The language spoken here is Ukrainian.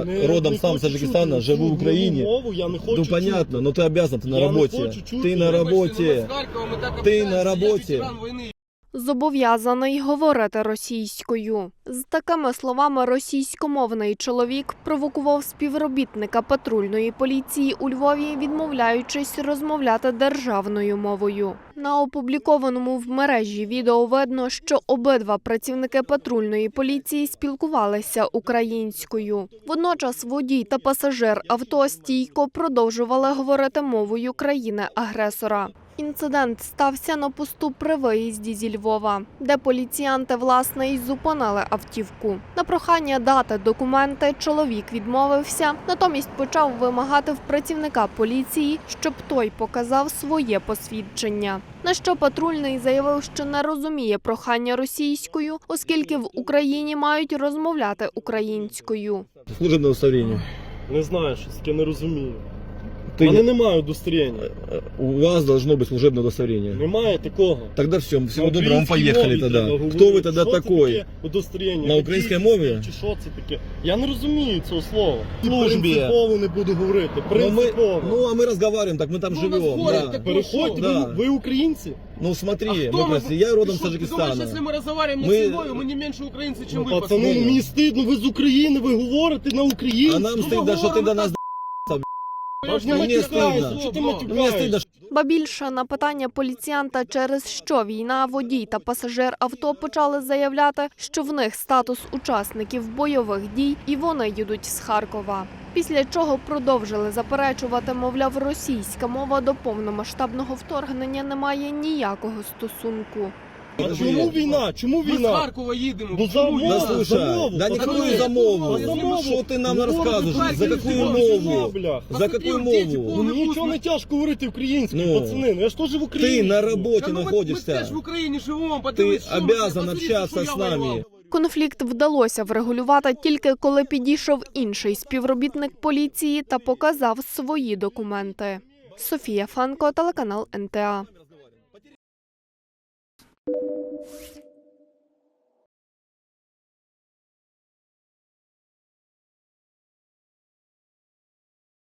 я родом сам с Таджикистана, живу в Украине. Ну понятно, но ты обязан, ты на работе. Ты на работе. Ты на работе. Зобов'язаний говорити російською. З такими словами російськомовний чоловік провокував співробітника патрульної поліції у Львові, відмовляючись розмовляти державною мовою. На опублікованому в мережі відео видно, що обидва працівники патрульної поліції спілкувалися українською. Водночас водій та пасажир авто стійко продовжували говорити мовою країни-агресора. Інцидент стався на посту при виїзді зі Львова, де поліціянти, власне, й зупинили автівку. На прохання дати документи чоловік відмовився, натомість почав вимагати в працівника поліції, щоб той показав своє посвідчення. На що патрульний заявив, що не розуміє прохання російською, оскільки в Україні мають розмовляти українською. Служебне удостоверення. Не знаю, що таке не розумію. У мене немає удостоверення. У вас должно быть служебное удостоверение. Немає такого. Тогда все, всего доброго, мы поехали тогда. Кто вы тогда такой? Удостоверення. На українській мові? Чи що це таке? Я не розумію цього слова. Службі. Принципово не буду говорити. Принципово. Ну а мы разговариваем, так мы там живем. Да. Переходьте, Да. ви українці? Ну смотри, я родом с Таджикистана. Если мы разговариваем на Мы- седьмой, мы не меньше украинцы, чем Ну, вы. пацани, мені стидно, ви з України, ви говорите на українську. А нам стыдно, что ты до нас Мне стыдно. Що ти Мне матюкаєш? стыдно, что Ба більше на питання поліціянта, через що війна, водій та пасажир авто почали заявляти, що в них статус учасників бойових дій і вони їдуть з Харкова. Після чого продовжили заперечувати, мовляв, російська мова до повномасштабного вторгнення не має ніякого стосунку. А чому війна? Чому Ми з війна? Харкова їдемо. Ну, Чому за я? Да мову. слушай, замову, да пацаны. никакую замову. Замову. Что ты нам Ну, рассказываешь? За какую Харків, мову? бля. За какую Дети, мову? Ну, мені нічого не тяжко говорити українською, Ну, пацани. Ну, я ж теж в Україні. Ты на живу. работе Та ну, ми теж находишься. в Україні живемо, Ты подивись, що ми, обязан подивись, общаться що с я нами. воював. Конфлікт вдалося врегулювати тільки коли підійшов інший співробітник поліції та показав свої документи. Софія Фанко, телеканал НТА.